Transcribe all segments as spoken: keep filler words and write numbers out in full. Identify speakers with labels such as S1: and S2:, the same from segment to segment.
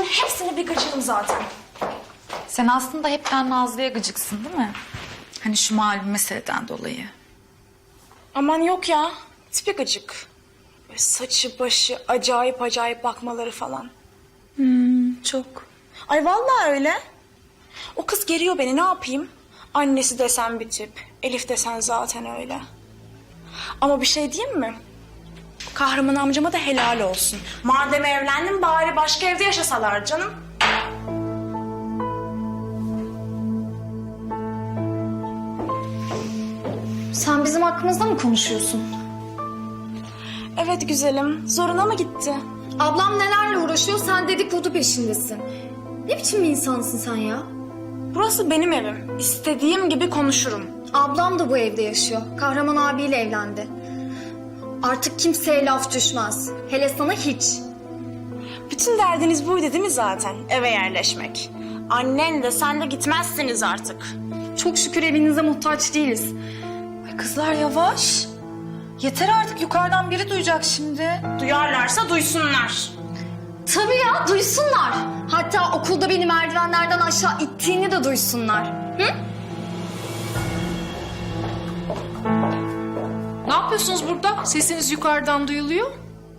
S1: hepsine bir gıcığım zaten.
S2: Sen aslında hepten Nazlı'ya gıcıksın değil mi? Hani şu malum meseleden dolayı.
S1: Aman yok ya. Tipi gıcık. Böyle saçı başı acayip acayip bakmaları falan.
S2: Hmm, çok.
S1: Ay vallahi öyle. O kız geriyor beni, ne yapayım? Annesi desen bir tip. Elif desen zaten öyle. Ama bir şey diyeyim mi? Kahraman amcama da helal olsun. Madem evlendim bari başka evde yaşasalar canım.
S3: Sen bizim hakkımızda mı konuşuyorsun?
S1: Evet güzelim. Zoruna mı gitti?
S3: Ablam nelerle uğraşıyor, sen dedikodu peşindesin. Ne biçim bir insansın sen ya?
S1: Burası benim evim. İstediğim gibi konuşurum.
S3: Ablam da bu evde yaşıyor. Kahraman abiyle evlendi. Artık kimseye laf düşmez. Hele sana hiç.
S1: Bütün derdiniz buydu değil mi zaten? Eve yerleşmek. Annen de sen de gitmezsiniz artık.
S3: Çok şükür evinize muhtaç değiliz.
S2: Ay kızlar yavaş. Yeter artık, yukarıdan biri duyacak şimdi.
S1: Duyarlarsa duysunlar.
S3: Tabii ya, duysunlar. Hatta okulda beni merdivenlerden aşağı ittiğini de duysunlar. Hı?
S4: Ne yapıyorsunuz burada? Sesiniz yukarıdan duyuluyor.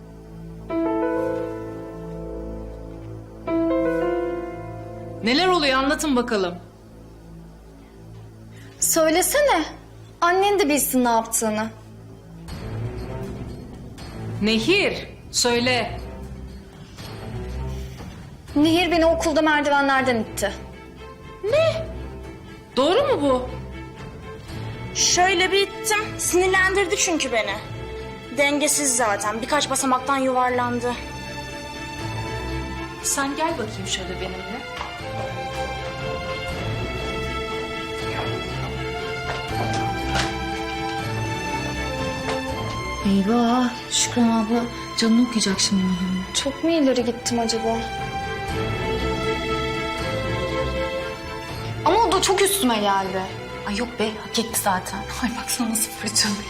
S4: Neler oluyor anlatın bakalım.
S3: Söylesene. Annen de bilsin ne yaptığını.
S4: Nehir, söyle.
S3: Nehir beni okulda merdivenlerden itti.
S4: Doğru mu bu?
S1: Şöyle bir ittim. Sinirlendirdi çünkü beni. Dengesiz zaten. Birkaç basamaktan yuvarlandı.
S4: Sen gel bakayım şöyle benimle.
S2: Eyvah, Şükran abla canını okuyacak şimdi.
S3: Çok mu ileri gittim acaba? Ama o da çok üstüme geldi.
S2: Ay yok be, hak etti zaten. Ay baksana nasıl fırçalıyor.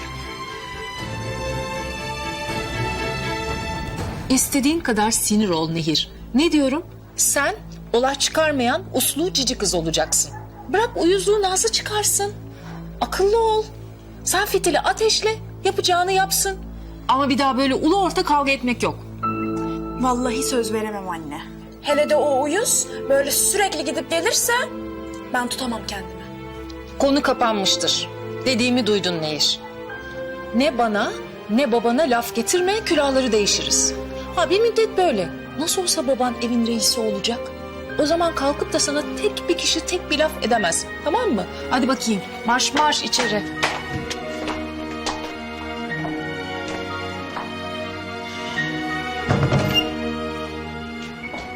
S5: İstediğin kadar sinir ol Nehir. Ne diyorum? Sen olay çıkarmayan uslu cici kız olacaksın. Bırak uyuzluğu Nazlı çıkarsın. Akıllı ol. Sen fitili ateşle, yapacağını yapsın. Ama bir daha böyle ulu orta kavga etmek yok.
S1: Vallahi söz veremem anne. Hele de o uyuz böyle sürekli gidip gelirse ben tutamam kendimi.
S5: Konu kapanmıştır. Dediğimi duydun Nehir. Ne bana ne babana laf getirme, külahları değişiriz. Ha bir müddet böyle. Nasıl olsa baban evin reisi olacak. O zaman kalkıp da sana tek bir kişi tek bir laf edemez. Tamam mı? Hadi bakayım. Marş marş içeri.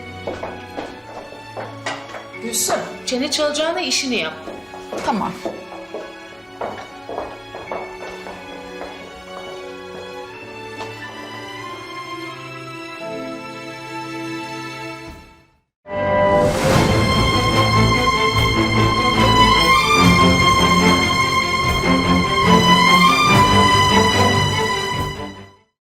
S5: Gülsüm, çene çalacağına işini yap.
S2: Tamam.